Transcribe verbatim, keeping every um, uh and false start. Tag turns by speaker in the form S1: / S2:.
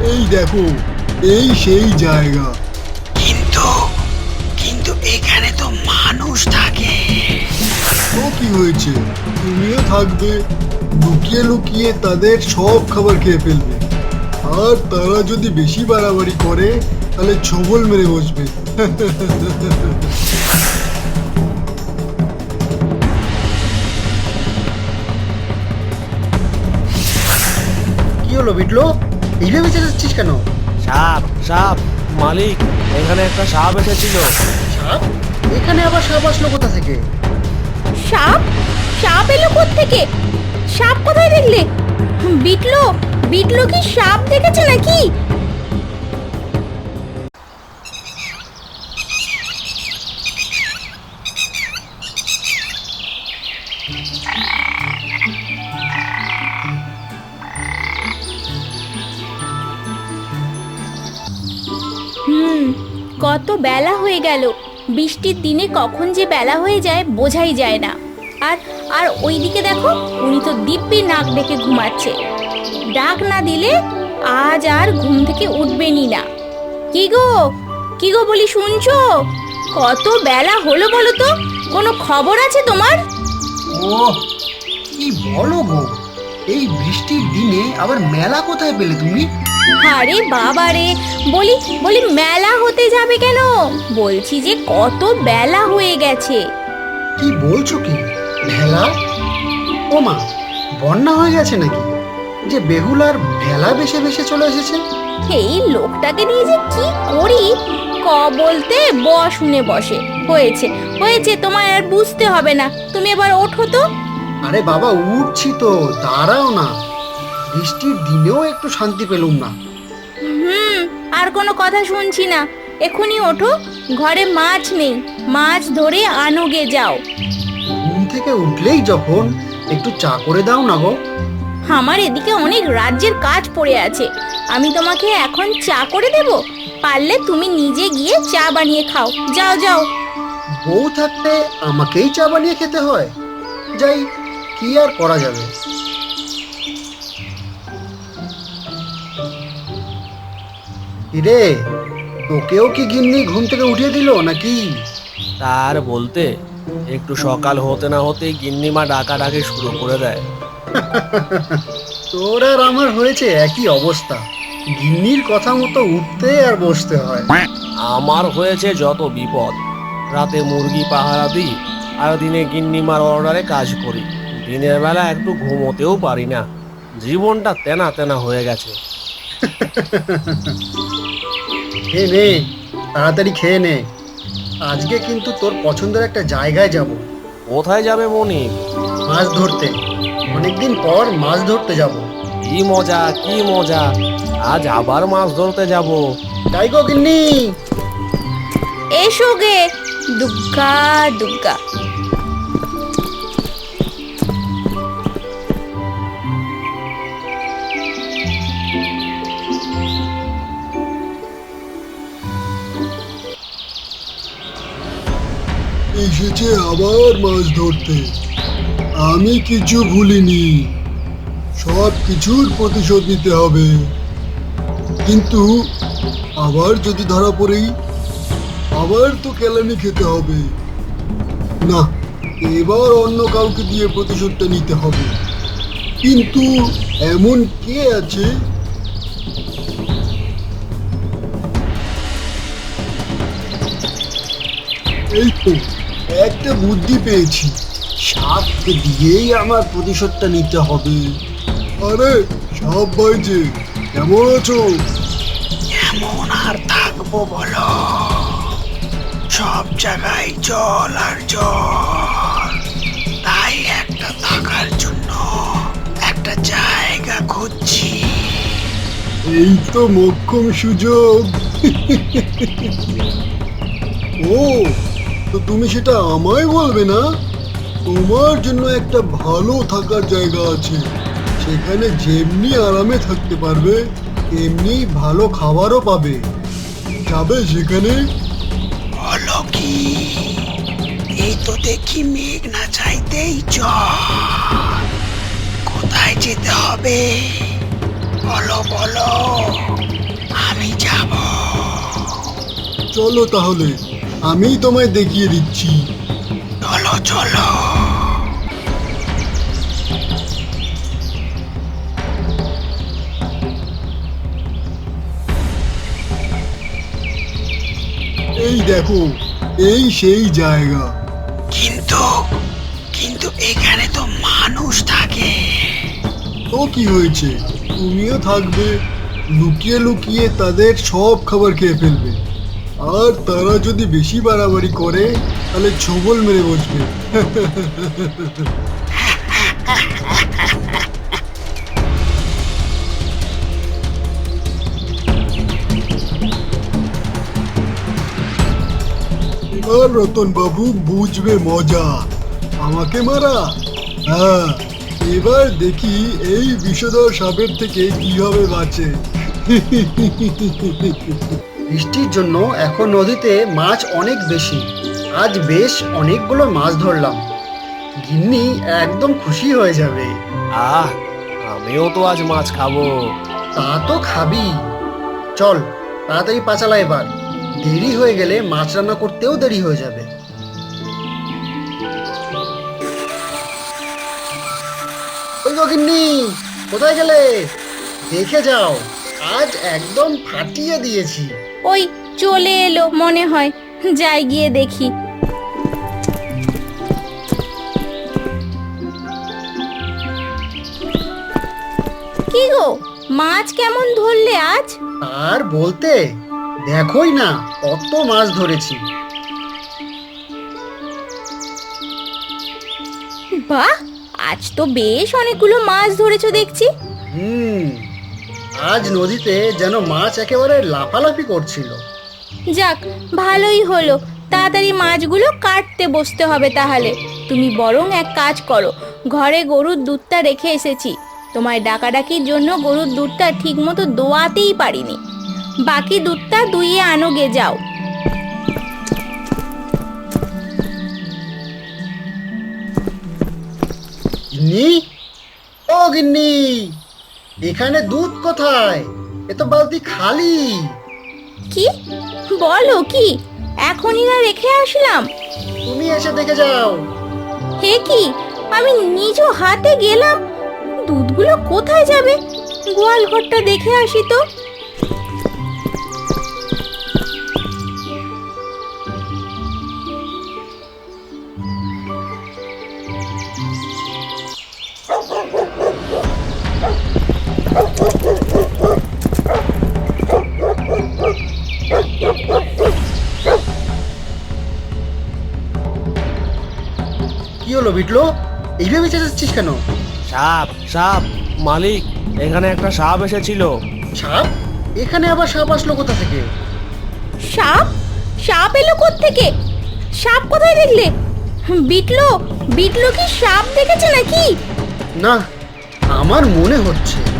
S1: এই দেখো, এই সেই জায়গা।
S2: কিন্তু কিন্তু এখানে তো মানুষ থাকে।
S1: তো কি হয়েছে, তুমিও থাকবে, লুকিয়ে লুকিয়ে তাদের সব খাবার খেয়ে ফেলবে। আর তারা যদি বেশি বাড়াবাড়ি করে তাহলে ছবল মেরে বসবে।
S3: কি হলো বিটলো, এইভাবে চেঁচাচ্ছিস কেন?
S4: সাপ সাপ মালিক, এখানে একটা সাপ এসেছিল।
S3: সাপ? এখানে আবার সাপ আসলো কোথা থেকে?
S5: সাপ? সাপ এলো থেকে? সাপ কোথায় দেখলে? বিটলো বিটলো কি সাপ দেখেছে নাকি? হুম, কত বেলা হয়ে গেল। বৃষ্টির দিনে কখন যে বেলা হয়ে যায় বোঝাই যায় না। আর আর ওইদিকে দেখো, উনি তো দিব্যি নাক ডেকে ঘুমাচ্ছে। ডাক না দিলে আজ আর ঘুম থেকে উঠবেনই না। কি গো কি গো বলি, শুনছো? কত বেলা হলো বলো তো, কোনো খবর আছে তোমার?
S3: ও কি বলো গো, এই বৃষ্টির দিনে আবার মেলা কোথায় পেলে তুমি?
S5: আরে বাবা রে, বলি বলি মেলা হতে যাবে কেন? বলছি যে কত বেলা হয়ে গেছে।
S3: কি বলছো কি? ভেলা? ও মা, বন্যা হয়ে গেছে নাকি, যে বেহুল আর ভেলা বেশে বেশে চলে এসেছে?
S5: এই লোকটাকে নিয়ে যে কি করি, ক বলতে ব শুনে বসে। হয়েছে হয়েছে, তোমার আর বুঝতে হবে না, তুমি এবার ওঠো তো।
S3: আরে বাবা, উঠছি তো, দাঁড়াও না। বৃষ্টির দিনেও একটু শান্তি পেলুম না।
S5: হুম, আর কোনো কথা শুনছি না, এখনই ওঠো। ঘরে মাছ নেই, মাছ ধরে আনোগে যাও।
S3: ঘুম থেকে উঠলেই যখন, একটু চা করে দাও না গো।
S5: আমার এদিকে অনেক রাজ্যের কাজ পড়ে আছে, আমি তোমাকে এখন চা করে দেব? পারলে তুমি নিজে গিয়ে চা বানিয়ে খাও, যাও যাও।
S3: বউ থাকতে আমাকেই চা বানিয়ে খেতে হয়? যাই, কি আর করা যাবে। রে, তোকেও কি গিন্নি ঘুম থেকে উঠিয়ে দিল নাকি?
S4: তার বলতে, একটু সকাল হতে না হতেই গিন্নিমা ডাকাডাকি শুরু করে দেয়।
S3: তোর আর আমার হয়েছে একই অবস্থা, গিন্নির কথা মতো উঠতে আর বসতে হয়।
S4: আমার হয়েছে যত বিপদ। রাতে মুরগি পাহারা দিই, আর দিনে গিন্নিমার অর্ডারে কাজ করি। দিনের বেলা একটু ঘুমোতেও পারি না। জীবনটা তেনা তেনা হয়ে গেছে।
S3: খেয়ে নে, তাড়াতাড়ি খেয়ে নে। আজকে কিন্তু তোর পছন্দের একটা জায়গায় যাব।
S4: কোথায় যাবে মনি?
S3: মাছ ধরতে। অনেকদিন পর মাছ ধরতে যাব।
S4: কি মজা কি মজা, আজ আবার মাছ ধরতে যাব।
S3: তাই গো গিন্নি।
S5: এসো গে, দুগ্গা দুগ্গা।
S1: এসেছে আবার মাছ ধরতে। আমি কিছু ভুলিনি, সব কিছুর প্রতিশোধ নিতে হবে। কিন্তু আবার যদি ধরা পড়েই, আবার তো কেলানি খেতে হবে। না, এবার অন্য কাউকে দিয়ে প্রতিশোধটা নিতে হবে। কিন্তু এমন কে আছে? এই তো একটা বুদ্ধি পেয়েছি, সাপকে দিয়েই আমার প্রতিশোধটা নিতে হবে। আরে সাপ ভাই যে, কেমন আছো?
S2: কেমন আর থাকবো বলো, সব জায়গায় জল আর জল। তাই একটা থাকার জন্য একটা জায়গা খুঁজছি।
S1: এই তো মোক্ষম সুযোগ। ও, তো তুমি সেটা আমায় বলবে না? তোমার জন্য একটা ভালো থাকার জায়গা আছে, সেখানে যেমনি আরামে থাকতে পারবে তেমনি ভালো খাবারও পাবে। যাবে সেখানে?
S2: বলো কি, এই তো দেখি মেঘ না চাইতেই জল। কোথায় যেতে হবে বলো বলো।
S1: চলো তাহলে, আমি তোমায় দেখিয়ে দিচ্ছি।
S2: চলো চলো।
S1: এই দেখো, এই সেই জায়গা।
S2: কিন্তু কিন্তু এখানে তো মানুষ থাকে।
S1: তো কি হয়েছে, তুমিও থাকবে, লুকিয়ে লুকিয়ে তাদের সব খাবার খেয়ে ফেলবে। আর তারা যদি বেশি বাড়াবাড়ি করে তাহলে ছবল মেরে বসবে। এবার রতন বাবু বুঝবে মজা। আমাকে মারা? হ্যাঁ, এবার দেখি এই বিষধর সাপের থেকে কিভাবে বাঁচে।
S3: বৃষ্টির জন্য এখন নদীতে মাছ অনেক বেশি। আজ বেশ অনেকগুলো মাছ ধরলাম। গিন্নি একদম খুশি হয়ে যাবে।
S4: আহ, আমিও তো আজ মাছ খাবো।
S3: তা তো খাবি। চল তাড়াতাড়ি পাচালা, এবার দেরি হয়ে গেলে মাছ রান্না করতেও দেরি হয়ে যাবে। ওই গো গিন্নি, কোথায় গেলে? দেখে যাও, আজ একদম ফাটিয়ে দিয়েছি।
S5: ওই চলে এলো মনে হয়, যাই গিয়ে দেখি। কি গো, মাছ কেমন ধরলে আজ?
S3: আর বলতে, দেখোই না কত মাছ ধরেছি।
S5: বাহ, আজ তো বেশ অনেকগুলো মাছ ধরেছো দেখছি।
S3: হুম, আজ নদীতে যেন মাছ একেবারে লাফালাফি করছিল।
S5: যাক, ভালোই হলো। তাড়াতাড়ি মাছগুলো কাটতে বসতে হবে তাহলে। তুমি বরং এক কাজ করো, ঘরে গরুর দুধটা রেখে এসেছি। তোমায় ডাকাডাকির জন্য গরুর দুধটা ঠিক মতো দোয়াতেই পারিনি। বাকি দুধটা দুইয়ে আনো গে, যাও।
S3: গিন্নি, ও গিন্নি, এখানে দুধ কোথায়? এ তো বালতি খালি।
S5: কি বলো? কি এখনই না রেখে আসলাম?
S3: তুমি এসে দেখে যাও।
S5: হে কি, আমি নিজ হাতে গেলাম, দুধগুলো কোথায় যাবে? গোয়াল ঘরটা দেখে আসি তো।
S3: কি হলো বিটলো, এইভাবে চেঁচাচ্ছিস কেন?
S4: সাপ, সাপ মালিক, এখানে একটা সাপ এসেছিল।
S3: সাপ? এখানে আবার সাপ আসলো কোথা থেকে?
S5: সাপ? সাপ এলো কোত্থেকে? সাপ কোথায় দেখলে? বিটলো, বিটলো কি সাপ দেখেছে নাকি?
S3: না, আমার মনে হচ্ছে